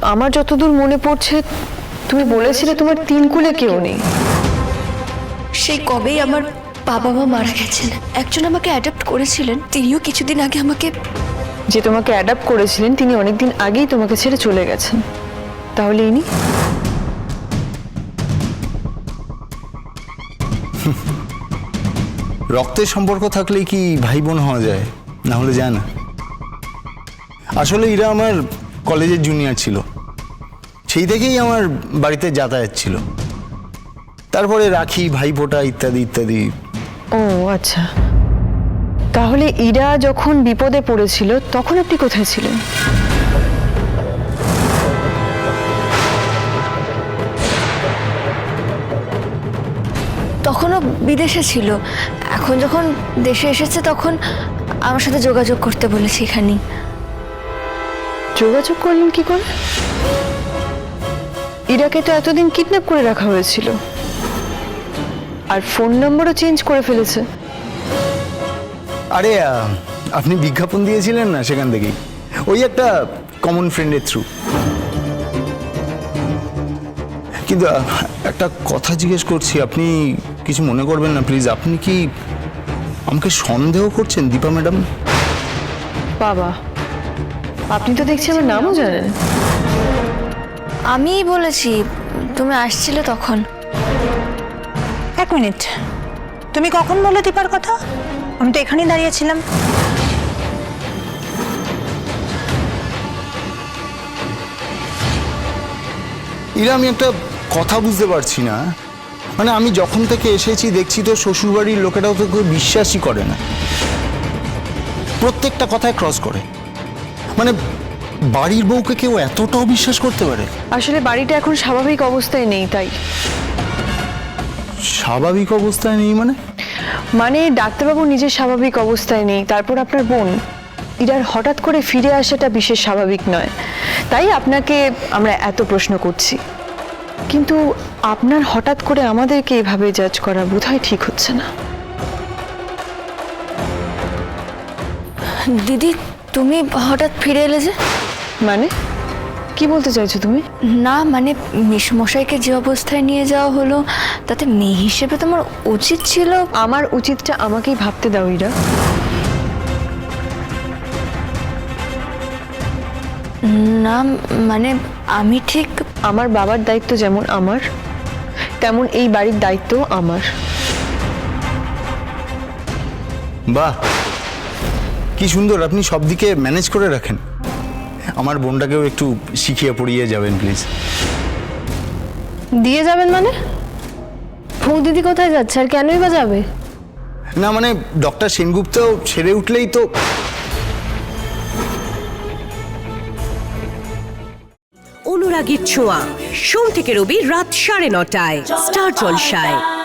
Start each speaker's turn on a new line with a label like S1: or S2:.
S1: আমার যতদূর মনে পড়ছে তুমি বলেছিলে তোমার তিন কুলে কেউ নেই।
S2: সেই কবেই আমার বাবা মা মারা গেছেন। একজন আমাকে অ্যাডাপ্ট করেছিলেন, তিনিও কিছুদিন আগে আমাকে।
S1: যে তোমাকে অ্যাডাপ্ট করেছিলেন তিনি অনেকদিন আগেই তোমাকে ছেড়ে চলে গেছেন। তাহলে ইনি?
S3: রক্তের সম্পর্ক থাকলেই কি ভাই বোন হওয়া যায়? না হলে যায় না। আসলে এরা আমার কলেজের জুনিয়র ছিল, সেই থেকেই আমার বাড়িতে যাতায়াত ছিল। তারপরে রাখি, ভাইফোঁটা ইত্যাদি ইত্যাদি।
S1: ও আচ্ছা, তাহলে ইরা যখন বিপদে পড়েছিল তখন আপনি কোথায় ছিলেন?
S2: তখনও বিদেশে ছিল, এখন যখন দেশে এসেছে তখন আমার সাথে যোগাযোগ করতে বলেছি এখানেই।
S1: যোগাযোগ করলেন কি করে? ইরাকে তো এতদিন কিডন্যাপ করে রাখা হয়েছিল, আর ফোন নম্বরও চেঞ্জ করে ফেলেছে।
S3: আরে আপনি বিজ্ঞাপন দিয়েছিলেন না, সেখান থেকেই। ওই একটা কমন ফ্রেন্ডের থ্রু। কিন্তু একটা কথা জিজ্ঞেস করছি, আপনি কিছু মনে করবেন না প্লিজ। আপনি কি আমাকে সন্দেহ করছেন দীপা ম্যাডাম?
S1: বাবা, আপনি তো দেখছি আমার নামও জানেন।
S2: আমিই বলেছি, তুমি আসছিলে তখন।
S4: এক মিনিট, তুমি কখন বললে দীপার কথা? আমি তো এখানেই দাঁড়িয়েছিলাম।
S3: এরা আমি একটা কথা বুঝতে পারছি না। মানে আমি যখন থেকে এসেছি দেখছি তো শ্বশুরবাড়ির লোকেরাও তো কেউ বিশ্বাসই করে না, প্রত্যেকটা কথায় ক্রস করে। মানে বাড়ির বউকে কেউ এতটাও বিশ্বাস করতে পারে?
S1: আসলে বাড়িটা এখন স্বাভাবিক অবস্থায় নেই, তাই।
S3: স্বাভাবিক অবস্থায় নেই মানে?
S1: মানে ডাক্তারবাবু নিজের স্বাভাবিক অবস্থায় নেই, তারপর আপনার বোন ইরার হঠাৎ করে ফিরে আসাটা বিশেষ স্বাভাবিক নয়। তাই আপনাকে আমরা এত প্রশ্ন করছি। কিন্তু আপনার হঠাৎ করে আমাদেরকে এভাবে জাজ করা বোধহয় ঠিক হচ্ছে না।
S2: দিদি, তুমি হঠাৎ ফিরে এলে যে?
S1: মানে কি বলতে চাইছো তুমি?
S2: না মানে মেসমশাইকে যে অবস্থায় নিয়ে যাওয়া হলো, তাতে মেয়ে হিসেবে তোমার উচিত ছিল।
S1: আমার উচিতটা আমাকেই ভাবতে দাও ইরা।
S2: না মানে আমি ঠিক।
S1: আমার বাবার দায়িত্ব যেমন আমার, তেমন এই বাড়ির দায়িত্ব আমার।
S3: বাহ, কি সুন্দর আপনি সব দিকে ম্যানেজ করে রাখেন। আমার বোনটাকেও একটু শিখিয়ে পড়িয়ে যাবেন প্লিজ।
S5: দিয়ে যাবেন মানে? ফোক দিদি কোথায় যাচ্ছে আর কেনই বা যাবে?
S3: না মানে ডক্টর সেনগুপ্ত সেরে উঠলেই তো।
S6: অনুরাগীর ছোঁয়া, সোম থেকে রবি রাত 9:30টায় স্টার জলসায়।